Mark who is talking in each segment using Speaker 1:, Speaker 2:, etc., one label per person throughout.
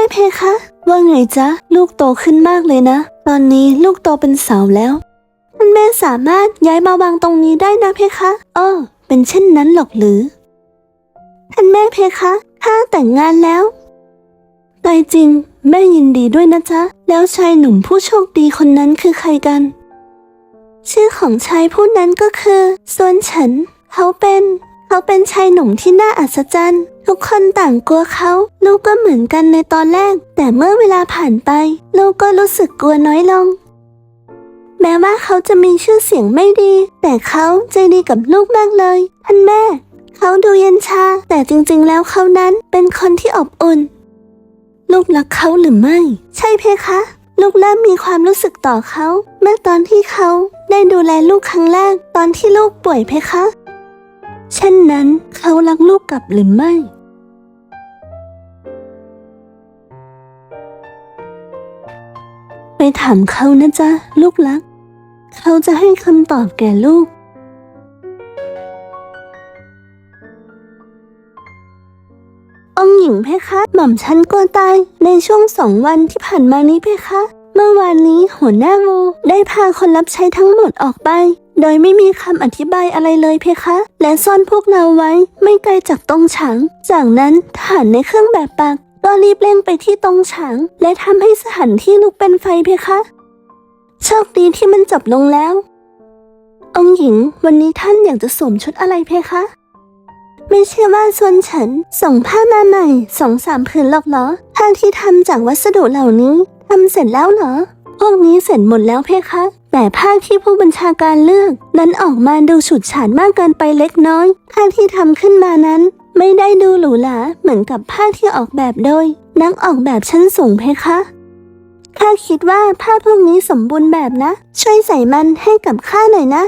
Speaker 1: เพคะว่าไงจ๊ะลูกโตขึ้นมากเลยนะตอนนี้ลูกโตเป็นสาวแล้วท่านแม่สามารถย้ายมาวางตรงนี้ได้นะเพคะเป็นเช่นนั้นหรอกหรือท่านแม่เพคะข้าแต่งงานแล้วตายจริงแม่ยินดีด้วยนะจ๊ะแล้วชายหนุ่มผู้โชคดีคนนั้นคือใครกันชื่อของชายผู้นั้นก็คือซวนเฉินเขาเป็นชายหนุ่มที่น่าอัศจรรย์ทุกคนต่างกลัวเขาลูกก็เหมือนกันในตอนแรกแต่เมื่อเวลาผ่านไปลูกก็รู้สึกกลัวน้อยลงแม้ว่าเขาจะมีชื่อเสียงไม่ดีแต่เขาใจดีกับลูกมากเลยท่านแม่เขาดูเย็นชาแต่จริงๆแล้วเขานั้นเป็นคนที่อบอุ่นลูกรักเขาหรือไม่ใช่เพคะลูกเริ่มมีความรู้สึกต่อเขาเมื่อตอนที่เขาได้ดูแลลูกครั้งแรกตอนที่ลูกป่วยเพคะเช่นนั้นเขารักลูกกลับหรือไม่ไปถามเขานะจ๊ะลูกรักเขาจะให้คำตอบแก่ลูกองค์หญิงเพคะหม่อมฉันกลัวตายในช่วง2 วันที่ผ่านมานี้เพคะเมื่อวานนี้หัวหน้างูได้พาคนรับใช้ทั้งหมดออกไปโดยไม่มีคำอธิบายอะไรเลยเพคะและซ่อนพวกเราไว้ไม่ไกลจากตรงฉางจากนั้นทหารในเครื่องแบบปักก็รีบเร่งไปที่ตรงฉางและทำให้สถานที่ลุกเป็นไฟเพคะโชคดีที่มันจบลงแล้วองค์หญิงวันนี้ท่านอยากจะสวมชุดอะไรเพคะไม่ใช่ว่าซวนเฉินส่งผ้ามาใหม่2-3 ผืนหรอกเหรอผ้าที่ทำจากวัสดุเหล่านี้ทำเสร็จแล้วเหรอพวกนี้เสร็จหมดแล้วเพคะแต่ผ้าที่ผู้บัญชาการเลือกนั้นออกมาดูฉูดฉาดมากเกินไปเล็กน้อยผ้าที่ทำขึ้นมานั้นไม่ได้ดูหรูหราเหมือนกับผ้าที่ออกแบบโดยนักออกแบบชั้นสูงเพคะข้าคิดว่าผ้าพวกนี้สมบูรณ์แบบนะช่วยใส่มันให้กับข้าหน่อยนะ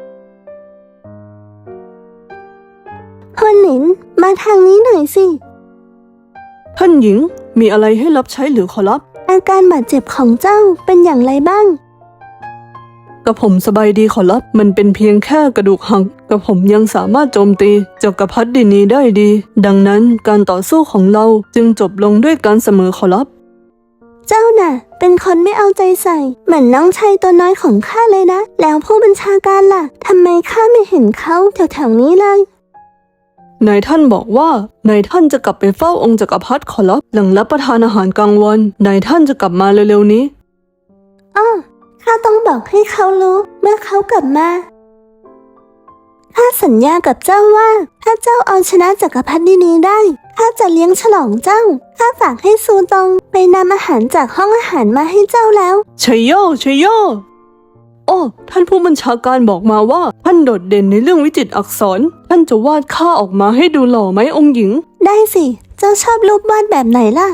Speaker 1: ฮวนหลินมาทางนี้หน่อยสิ
Speaker 2: ท่านหญิงมีอะไรให้รับใช้หรือขอรับ
Speaker 1: อาการบาดเจ็บของเจ้าเป็นอย่างไรบ้าง
Speaker 2: กระผมสบายดีขอรับมันเป็นเพียงแค่กระดูกหักกระผมยังสามารถโจมตีจักรพรรดินีได้ดีดังนั้นการต่อสู้ของเราจึงจบลงด้วยการเสมอขอรับ
Speaker 1: เจ้าน่ะเป็นคนไม่เอาใจใส่เหมือนน้องชายตัวน้อยของข้าเลยนะแล้วผู้บัญชาการล่ะทำไมข้าไม่เห็นเขาแถวๆนี้เลย
Speaker 2: นายท่านบอกว่านายท่านจะกลับไปเฝ้าองค์จักรพรรดิขอรับหลังรับประทานอาหารกลางวันนายท่านจะกลับมาเร็วๆนี้
Speaker 1: ข้าต้องบอกให้เขารู้เมื่อเขากลับมาข้าสัญญากับเจ้าว่าถ้าเจ้าเอาชนะจักรพรรดินีได้ข้าจะเลี้ยงฉลองเจ้าข้าฝากให้ซูตงไปนำอาหารจากห้องอาหารมาให้เจ้าแล้ว
Speaker 2: ชัยโยชัยโยโอ้ท่านผู้บัญชาการบอกมาว่าท่านโดดเด่นในเรื่องวิจิตรอักษรท่านจะวาดข้าออกมาให้ดูหล่อไหมองค์หญิง
Speaker 1: ได้สิเจ้าชอบรูปวาดแบบไหนล่ะ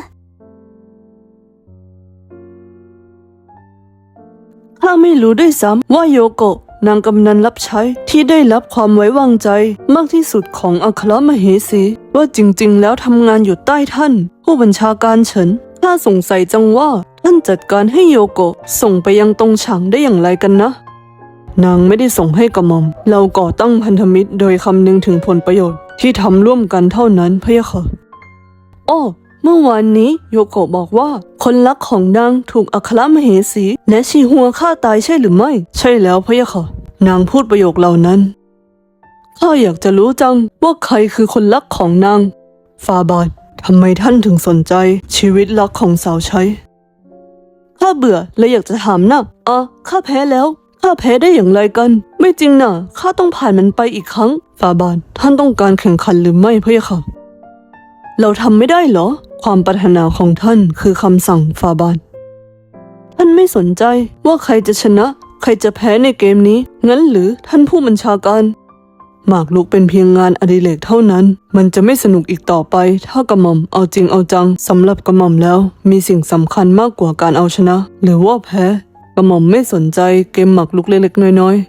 Speaker 2: ข้าไม่รู้ด้วยซ้ำว่าโยโกะนางกำนันรับใช้ที่ได้รับความไว้วางใจมากที่สุดของอัครมเหสีว่าจริงๆแล้วทำงานอยู่ใต้ท่านผู้บัญชาการเฉินข้าสงสัยจังว่าท่านจัดการให้โยโกะส่งไปยังตรงฉางได้อย่างไรกันนะนางไม่ได้ส่งให้กระหม่อมเราก่อตั้งพันธมิตรโดยคำนึงถึงผลประโยชน์ที่ทำร่วมกันเท่านั้นพะยะค่ะเมื่อวานนี้โยโกะบอกว่าคนรักของนางถูกอัครมเหสีและชีฮัวฆ่าตายใช่หรือไม่ใช่แล้วพะยะค่ะนางพูดประโยคเหล่านั้นข้าอยากจะรู้จังว่าใครคือคนรักของนางฟาบาททำไมท่านถึงสนใจชีวิตรักของสาวใช้ข้าเบื่อและอยากจะถามนะข้าแพ้แล้วข้าแพ้ได้อย่างไรกันไม่จริงนะข้าต้องผ่านมันไปอีกครั้งฟาบาทท่านต้องการแข่งขันหรือไม่พะยะค่ะเราทำไม่ได้เหรอความปรารถนาของท่านคือคำสั่งฟาบาทท่านไม่สนใจว่าใครจะชนะใครจะแพ้ในเกมนี้งั้นหรือท่านผู้บัญชาการหมากรุกเป็นเพียงงานอดิเรกเท่านั้นมันจะไม่สนุกอีกต่อไปถ้ากระหม่อมเอาจริงเอาจังสำหรับกระหม่อมแล้วมีสิ่งสำคัญมากกว่าการเอาชนะหรือว่าแพ้กระหม่อมไม่สนใจเกมหมากรุกเล็กๆน้อย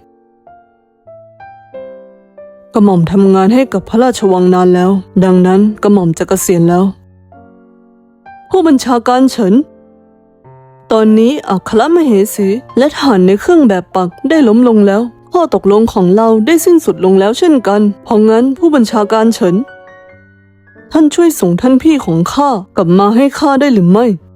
Speaker 2: ๆกระหม่อมทำงานให้กับพระราชวังนานแล้วดังนั้นกระหม่อมจะเกษียณแล้วผู้บัญชาการเฉินตอนนี้อัครมเหสีและทหารในเครื่องแบบปักได้ล้มลงแล้วข้อตกลงของเราได้สิ้นสุดลงแล้วเช่นกันเพราะงั้นผู้บัญชาการเฉินท่านช่วยส่งท่านพี่ของข้ากลับมาให้ข้าได้หรือไม่